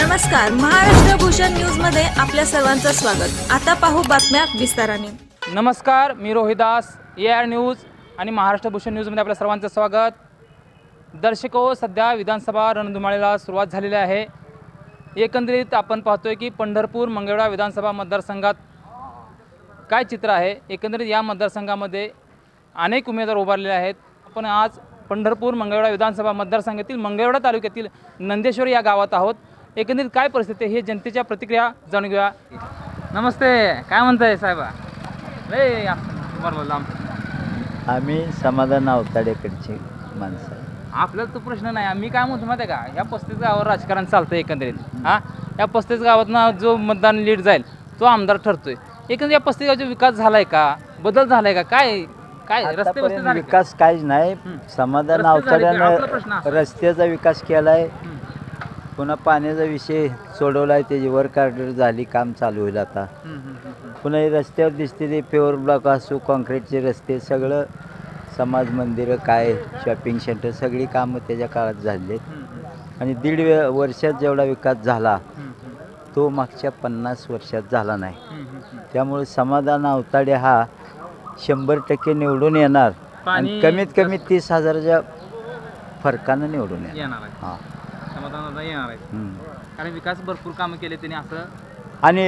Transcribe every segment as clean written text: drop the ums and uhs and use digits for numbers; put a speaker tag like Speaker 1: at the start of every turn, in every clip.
Speaker 1: नमस्कार, महाराष्ट्र भूषण न्यूज मध्ये आपल्या सर्वांचं स्वागत। आता पाहू बातम्या विस्ताराने।
Speaker 2: नमस्कार, मी रोहिदास, AR न्यूज आणि महाराष्ट्र भूषण न्यूजमध्ये आपल्या सर्वांचं स्वागत। दर्शको, सध्या विधानसभा रणधुमाळीला सुरुवात झालेली आहे। एकंदरीत आपण पाहतोय की पंढरपूर मंगळवेढा विधानसभा मतदारसंघात काय चित्र आहे। एकंदरीत या मतदारसंघामध्ये अनेक उमेदवार उभारलेले आहेत। आपण आज पंढरपूर मंगळवेढा विधानसभा मतदारसंघातील मंगळवेढा तालुक्यातील नंदेश्वर या गावात आहोत। एकंदरीत काय परिस्थिती आहे हे जनतेच्या प्रतिक्रिया जाणून घेऊया। नमस्ते, काय म्हणताय साहेबा? लय बरोबर लांब
Speaker 3: आम्ही समाधान अवताडेकडची माणसं आहे।
Speaker 2: आपल्याला तो प्रश्न नाही। मी काय म्हणतो माहिती आहे का, ह्या 35 गावावर राजकारण चालतं एकंदरीत। या 35 गावातनं जो मतदान लीड जाईल तो आमदार ठरतोय। एकंदरीत या 35 गावाचा विकास झालाय का, बदल झालाय का, काय काय रस्ते
Speaker 3: आतापर्यंत
Speaker 2: झाले
Speaker 3: विकास काहीच नाही। समाधान
Speaker 2: रस्ते झाले का? आपला प्रश्न
Speaker 3: अवताड्यानं
Speaker 2: असा.
Speaker 3: रस्त्याचा विकास केलाय, पुन्हा पाण्याचा विषय सोडवलाय, त्याची वर्क ऑर्डर झाली, काम चालू होईल आता। पुन्हा हे रस्त्यावर दिसते ते पेवर ब्लॉक असो, कॉन्क्रीटचे रस्ते, सगळं समाज मंदिरं, काय शॉपिंग सेंटर, सगळी कामं त्याच्या काळात झाली आहेत। आणि दीड वर्षात जेवढा विकास झाला तो मागच्या 50 वर्षात झाला नाही। त्यामुळे समाधान अवताडे हा 100% निवडून येणार आणि कमीत कमी 30,000च्या फरकानं निवडून
Speaker 2: येणार आहे।
Speaker 3: हां,
Speaker 2: समाधान येणार आहे कारण विकास भरपूर कामं केले त्यांनी असं।
Speaker 3: आणि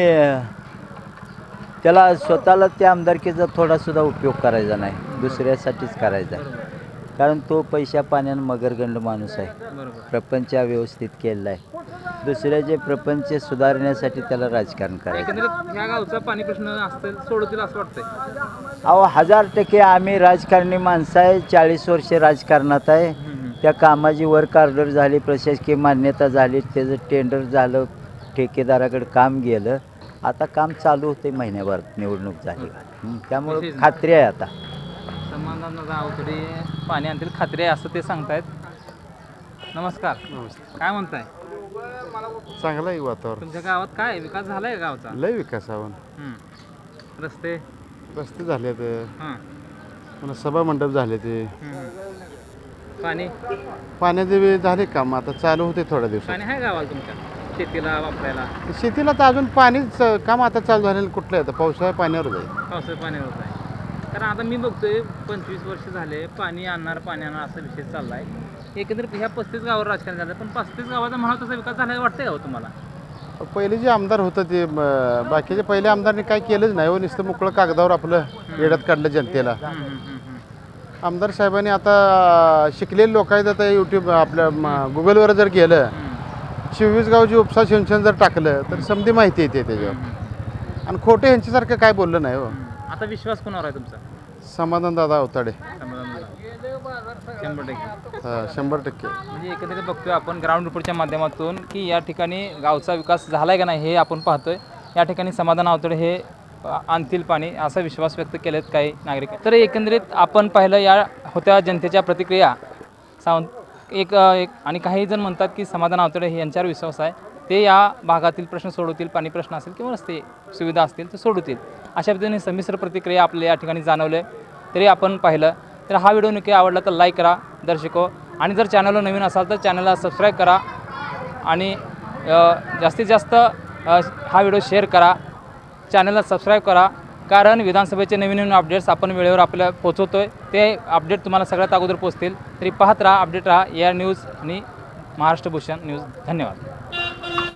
Speaker 3: त्याला स्वतःला त्या आमदारकीचा थोडासुद्धा उपयोग करायचा नाही, दुसऱ्यासाठीच करायचा आहे। कारण तो पैशा पाण्यानं मगरगंड माणूस आहे, प्रपंच व्यवस्थित केलेला आहे। दुसऱ्याचे प्रपंच सुधारण्यासाठी त्याला राजकारण करायचं।
Speaker 2: एकंदरीत ह्या गावचा पाणी प्रश्न असतील सोडवतील असं वाटतंय।
Speaker 3: अहो 1000% आम्ही राजकारणी माणसं आहे, 40 वर्षे राजकारणात आहे। त्या कामाची वर्क ऑर्डर झाली, प्रशासकीय मान्यता झाली, त्याचं टेंडर झालं, ठेकेदाराकडे काम गेलं, आता काम चालू होते, महिन्याभरात निवडणूक झाली। त्यामुळे खात्री आहे आता
Speaker 2: समाधान अवतडे पाणी आणतील, खात्री आहे असं ते सांगतायत। नमस्कार, काय म्हणताय?
Speaker 4: चांगलं आहे वातावरण।
Speaker 2: तुमच्या गावात काय विकास झालाय का गावचा?
Speaker 4: लय विकासावर
Speaker 2: रस्ते
Speaker 4: रस्ते झाले ते,
Speaker 2: हां,
Speaker 4: पुन्हा सभा मंडप झाले ते,
Speaker 2: पाणी
Speaker 4: पाण्याचे बी झाले काम, आता चालू होते थोड्या दिवसात।
Speaker 2: पाणी आहे गावाला तुमच्या शेतीला वापरायला?
Speaker 4: शेतीला तर अजून पाणीच काम आता चालू झालेलं कुठलं आहे, पावसाळ्या पाण्यावर जाईल।
Speaker 2: पावसाळ्या पाण्यावर आहे कारण आता मी बघतोय 25 वर्ष झाले पाणी आणणार असा विषय चाललाय। एकंदरीत ह्या 35 गावावर राजकारण झालं, पण 35 गावाचा म्हणा तसा विकास झाला वाटतंय का तुम्हाला?
Speaker 4: पहिले जे आमदार होतं ते बाकीचे पहिले आमदारने काय केलंच नाही हो, नुसतं मोकळं कागदावर आपलं येड्यात काढलं जनतेला। आमदार साहेबांनी आता शिकलेले लोक आहेत, आता यूट्यूब आपल्या गुगलवर जर गेलं, 24 गावची उपसा सिंचन जर टाकलं तर समधी माहिती येते त्याच्यावर। आणि खोटे ह्यांच्यासारखं काय बोललं नाही हो।
Speaker 2: आता विश्वास कोणावर आहे तुमचा?
Speaker 4: समाधान दादा अवताडे
Speaker 2: 100%।
Speaker 4: 100%।
Speaker 2: म्हणजे एकंदरीत बघतोय आपण ग्राउंड रिपोर्टच्या माध्यमातून की या ठिकाणी गावचा विकास झालाय का नाही हे आपण पाहतोय। या ठिकाणी समाधान अवतडे हे आणतील पाणी असा विश्वास व्यक्त केलेत काही नागरिक। तर एकंदरीत आपण पाहिलं या होत्या जनतेच्या प्रतिक्रिया। एक आणि काही जण म्हणतात की समाधान अवतडे हे यांच्यावर विश्वास आहे, ते या भागातील प्रश्न सोडवतील, पाणी प्रश्न असेल किंवा रस्ते सुविधा असतील ते सोडवतील, अशा पद्धतीने संमिश्र प्रतिक्रिया आपल्या या ठिकाणी जाणवले तरी आपण पाहिलं। तर हा व्हिडिओ नक्की आवडला तर लाईक करा दर्शको, आणि जर चॅनलला नवीन असाल तर चॅनलला सबस्क्राईब करा आणि जास्तीत जास्त हा व्हिडिओ शेअर करा, चॅनलला सबस्क्राईब करा, कारण विधानसभेचे नवीन अपडेट्स आपण वेळेवर आपल्याला पोहोचवतोय। ते अपडेट तुम्हाला सगळ्यात अगोदर पोहोचतील। तरी पाहत राहा, अपडेट राहा AR न्यूज आणि महाराष्ट्र भूषण न्यूज। धन्यवाद।